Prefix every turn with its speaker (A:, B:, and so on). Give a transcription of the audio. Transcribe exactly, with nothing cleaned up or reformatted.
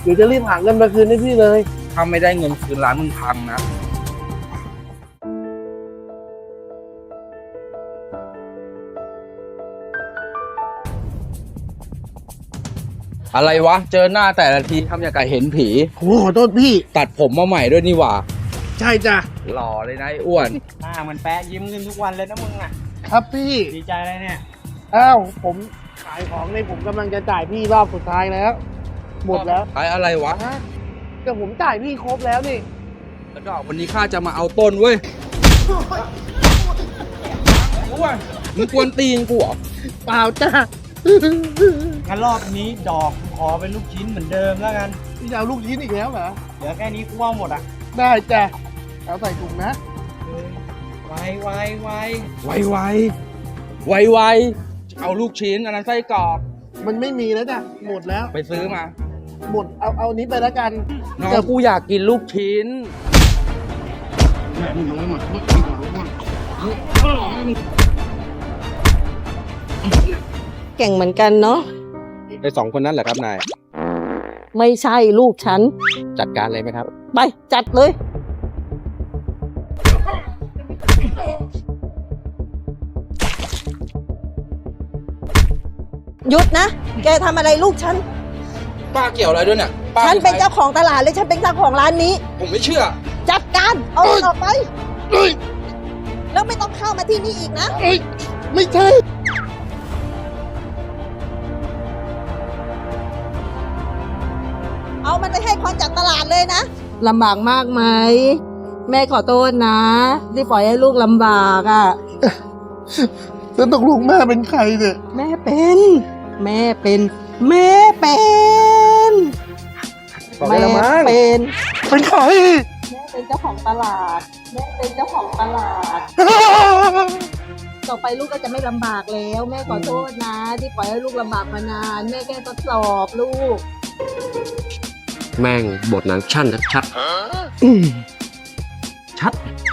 A: ดี๋ยวจะรีบหาเงินมาคืนให้พี่เลย
B: ถ้าไม่ได้เงินคืนร้านมึงพังนะอะไรวะเจอหน้าแต่ละทีทำอย่างกับเห็นผี
A: โอ้ขอโทษพี่
B: ตัดผมมาใหม่ด้วยนี่หว่า
A: ใช่จ้ะ
B: หล่อเลยนะไอ้อ้วน
C: หน้ามันแปะยิ้มขึ้นทุกวันเลยนะมึงอ่ะ
A: ครับพี่
C: ดีใจเลยเนี่ย
A: อ้าวผมขายของในผมกำลังจะจ่ายพี่รอบสุดท้ายแล้วหมดแล้ว
B: ขายอะไรวะ
A: แต่ผมจ่ายพี่ครบแล้วนี่
B: แล้วก็วันนี้ข้าจะมาเอาต้นเว้ยอ้วนมึงกวนตีนกูเหรอ
A: เปล่าจ้ะ
C: งั้นรอบนี้ดอกขอเป็นลูกชิ้นเหมือนเดิมแล้วกัน
A: พี่จะเอาลูกชิ้นอีกแล้วเหรอ
C: เหลือแค่นี้กูว่าหมดอ่ะ
A: ได้จ้ะเอาใส่ถุงนะ
C: ไวไวไว
B: ไวไวไวไวเอาลูกชิ้นอันนั้นไส้กรอก
A: มันไม่มีแล้วจ้ะหมดแล้ว
B: ไปซื้อมา
A: หมดเอาเอานี้ไปแล้วกัน
B: น้องกูอยากกินลูกชิ้น
D: เก่งเหมือนกันเนาะ
B: ไอ้สองคนนั้นแหละครับนาย
D: ไม่ใช่ลูกฉัน
B: จัดการเลยไหมครับ
D: ไปจัดเลยหยุดนะแกทำอะไรลูกฉัน
B: ป้าเกี่ยวอะไรด้วยเนี่ย
D: ฉันเป็นเจ้าของตลาดเลยฉันเป็นเจ้าของร้านนี้
B: ผมไม่เชื่อ
D: จัดการเอาออกไปแล้วไม่ต้องเข้ามาที่นี่อีกนะ
A: ไม่ใช่
D: เอามันไปให้คนจัดตลาดเลยนะลำบากมากไหมแม่ขอโทษนะที่ปล่อยให้ลูกลำบากอ่ะ
A: แล้วตกลงแม่เป็นใครเนี่ย
D: แม่เป็นแม่เป็นแม่เป็นแม่เป็น
A: เป็นใคร
D: แม่เป็นเจ้าของตลาดแม่เป็นเจ้าของตลาดต่อไปลูกก็จะไม่ลำบากแล้วแม่ขอโทษนะที่ปล่อยให้ลูกลำบากมานานแม่แค่ทดสอบลูก
B: แม่งบทหนังชั่นชัดชัด